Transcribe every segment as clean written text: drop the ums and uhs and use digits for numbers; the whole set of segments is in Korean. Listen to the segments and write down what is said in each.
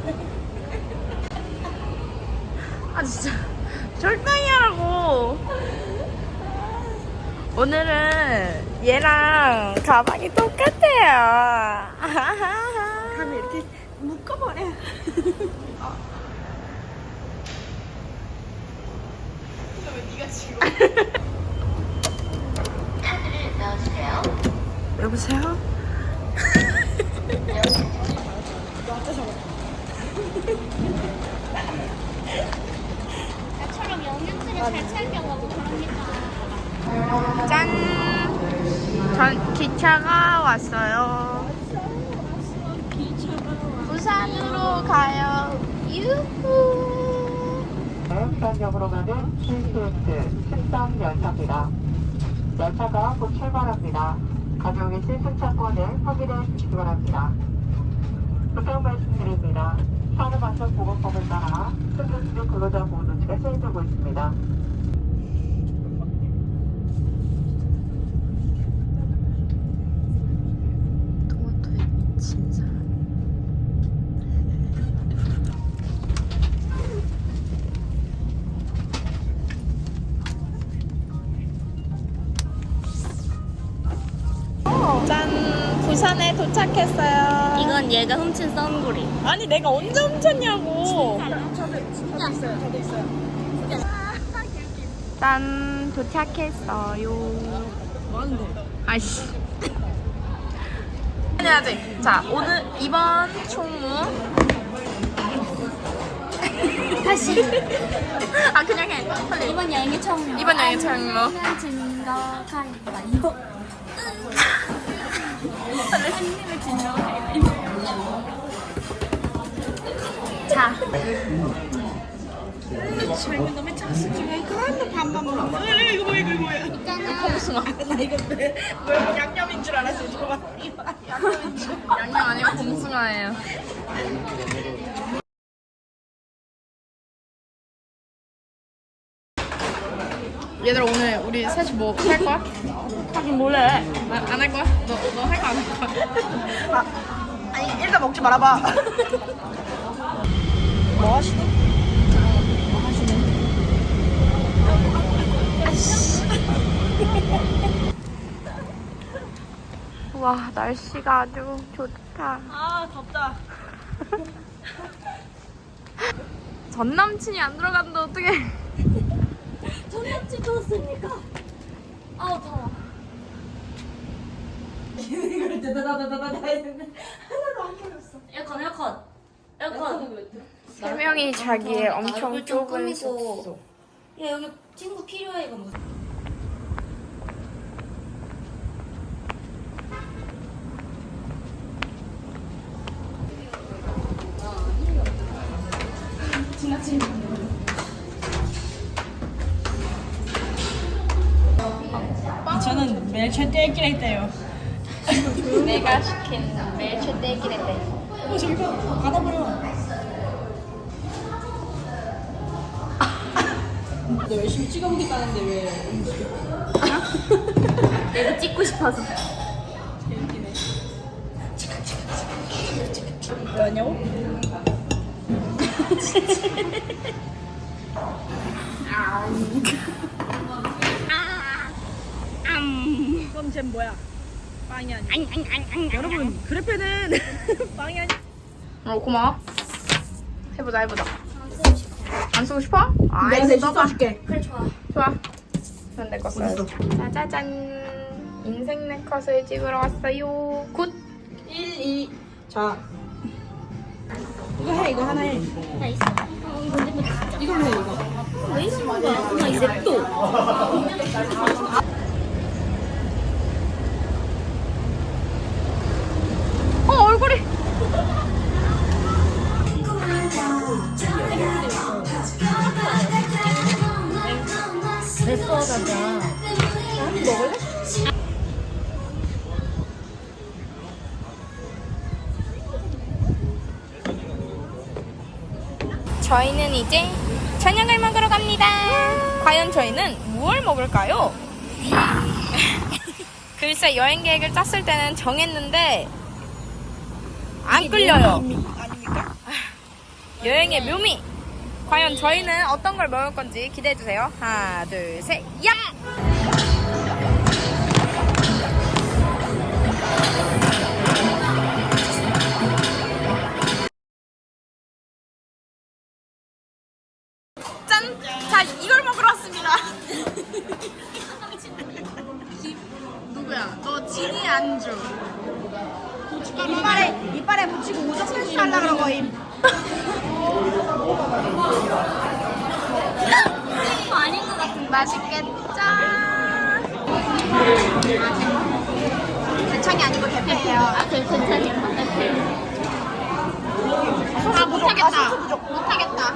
아 진짜 적당히 하라고. 오늘은 얘랑 가방이 똑같아요. 가면 이렇게 묶어버려. 왜 네가 지금? 카드를 넣어주세요. 여보세요? 나처럼 영양제를 잘 챙겨가고 그럽니다. 짠! 전 기차가 왔어요. 부산으로 가요. 유후! 부산역으로 가는 KTX 13열차입니다. 열차가 곧 출발합니다. 가지고 계신 승차권을 확인해 주시기 바랍니다. 부탁 말씀드립니다. 산업안전보건법을 따라 승객수 근로자 보호조치가 시행되고 있습니다. 토마토에 미친 사람. 짠! 부산에 도착했어요. 이건 얘가 훔친 썬구리. 아니 내가 언제 훔쳤냐고. 짠! 도착했어요. 뭐하는데? 아이씨. 해야지. 자, 오늘 이번 총무. 다시. 아 그냥 해. 빨리. 이번 여행의 총무. 이번 여행의 총무. 아니면 진거 가위바위보. 한님의 진거 가위바위보. 자. 젊은 놈의 짝수 중에 그한테 반반 먹어. 이거 뭐야? 있잖아. 콩숭아. 나 이거 뭐 양념인 줄 알았어. 저거 이거 양념인 줄. 양념 아니고 콩숭아예요. 얘들아 오늘 우리 셋이 뭐 할 거야? 하긴 몰래. 안 할 거야? 너 할 거 안 할 거야? 아, 아니 일단 먹지 말아봐. 뭐 하시니? 와 날씨가 아주 좋다. 아 덥다. 전 남친이 안 들어갔는데 어떡해. 전남친 줬으니까. 아우 더워. 이걸 다다다다다다 했는데 하나도 안 켜졌어. 에어컨. 세 명이 자기의 엄청 얼굴 좀 좁은 꾸미고. 숙소. 야 여기 친구 필요해 이거 뭐. 저는 멜체 떼기라 했대요. 내가 시킨 멜체 떼기랬대. 저기 봐. 받아버려. 너 열심히 찍어보겠다는데 왜? 내가 찍고 싶어서. 재밌기네. 왜냐고? 그럼 쟨 뭐야? 빵이 아니야. 여러분 그래페는 빵이 아니야. 고마워. 해보자. 안 쓰고 싶어? 아이 내가 대신 써봐. 써줄게. 그래 좋아. 좋아. 그럼 내거 써야지. 짜자잔. 인생 네컷을 찍으러 왔어요. 굿. 1, 2. 자. 이거 해. 이거 하나 해. 나 있어. 이거 근데 진짜 이걸로 해 이거. 왜 있는 거야? 엄마 이제 또. 얼굴이. 됐어 자자. 저희는 이제 저녁을 먹으러 갑니다. 과연 저희는 무엇을 먹을까요? 글쎄 여행 계획을 짰을 때는 정했는데 안 끌려요. 아닙니까? 여행의 묘미. 과연 저희는 어떤 걸 먹을 건지 기대해 주세요. 하나, 둘, 셋, 야! 짠! 자, 이걸 먹으러 왔습니다. 누구야? 너 진이 안주. 이빨에 붙이고 우정 설치하려고 그런 거임. 아닌 것 같은데. 맛있겠죠? 대창이 아니고 대패예요. 아, 괜찮아요. 아, 못하겠다. 못하겠다.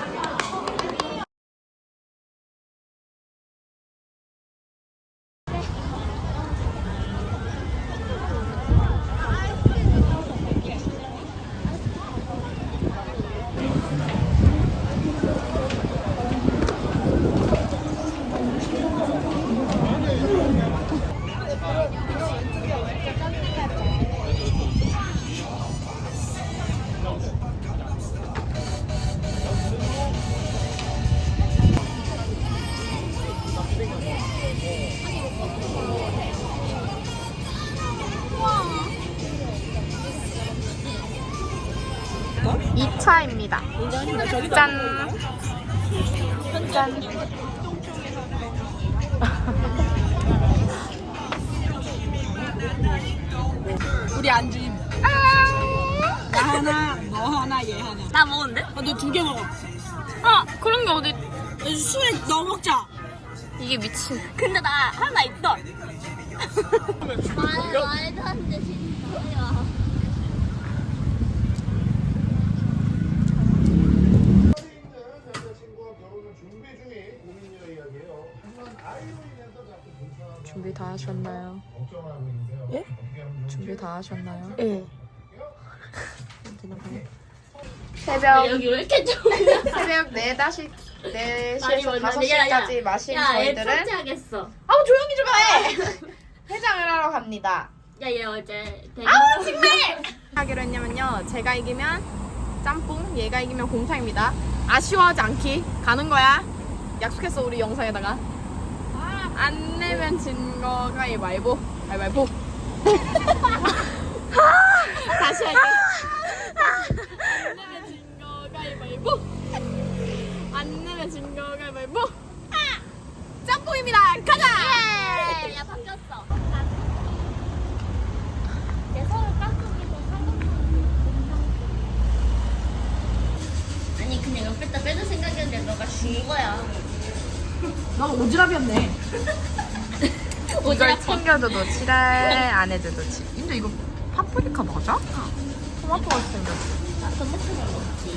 이차입니다 짠! 짠! 우리 안주임. 나 하나, 너 하나, 얘 하나. 나 먹었는데? 너 2개 먹어. 아, 그런 게 어디? 술에 넣어 먹자. 이게 미친. 근데 나 하나 있던. 말도 안 돼, 진짜야. 준비 다 하셨나요? 예? 준비 다 하셨나요? 예. 새벽 여기 왜 이렇게 좋냐? 새벽 4시에서 말이 뭔데? 5시까지 마신 야, 얘 저희들은 삭제하겠어. 아우 조용히 좀 해! 해장을 하러 갑니다. 야, 얘 어제 아우 정말! 하기로 했냐면요, 제가 이기면 짬뽕, 얘가 이기면 곰탕입니다. 아쉬워하지 않기 가는 거야. 약속했어, 우리 영상에다가. 안 내면 진 거 가위바위보. 가위바위보. 다시 할게. 안 내면 진 거 가위바위보. 안 내면 진 거 가위바위보. 짬뽕입니다. 가자. 야, 바뀌었어. 내 서울 깍두기도 아니, 그냥 옆에다 빼줄 생각이었는데 너가 준 거야. 너 오지랖이었네. 이걸 챙겨줘도 지랄, 안 해줘도 지. 근데 이거 파프리카 맞아? 토마토 같이 생겼어. 나 전복탕을 먹지.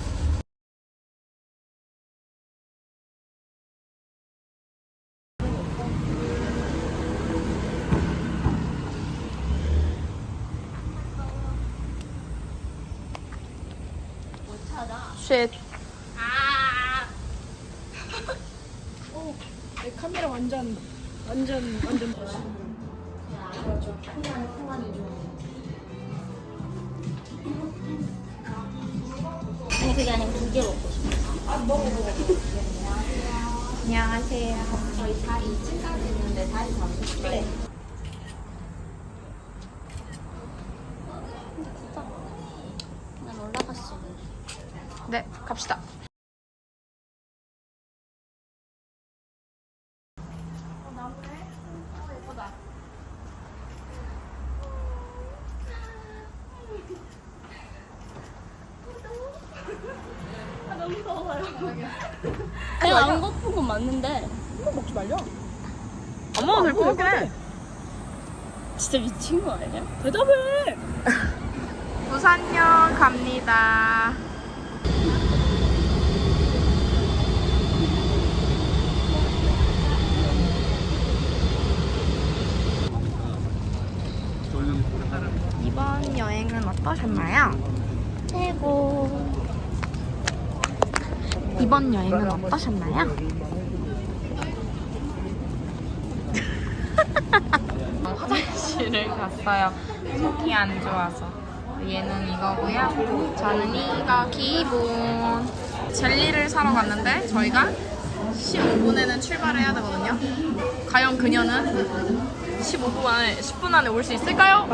못 찾아. 쉣. 아. 내 카메라 완전. 아니, 그게 아니고 2개 먹고 싶어. 안녕하세요. 저희 다리 2층까지 있는데 다리 잡으셨어요? 그래. 난 올라갔어. 네, 갑시다. 내가 안 고픈 건 맞는데 먹지 말려. 엄마가 될 것 같긴 해. 진짜 미친 거 아니야? 대답해. 부산역 갑니다. 이번 여행은 어떠셨나요? 최고. 이번 여행은 어떠셨나요? 화장실을 갔어요. 속이 안 좋아서. 얘는 이거고요. 저는 이거 기본. 젤리를 사러 갔는데 저희가 15분에는 출발을 해야 되거든요. 과연 그녀는 15분 안에 10분 안에 올 수 있을까요?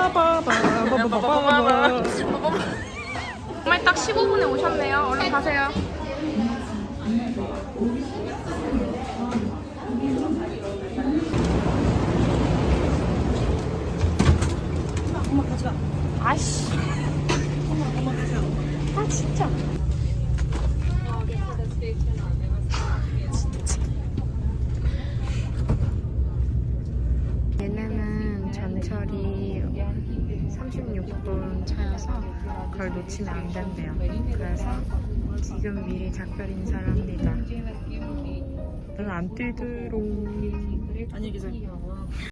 정말 딱 15분에 오셨네요. 얼른 가세요. 엄마 가지 마. 아이씨. 아 진짜. 얘네는 전철이 36분 차여서 그걸 놓치면 안 된대요. 그래서 지금 미리 작별 인사를 합니다. 넌 안 뛰도록. 안녕히 계세요.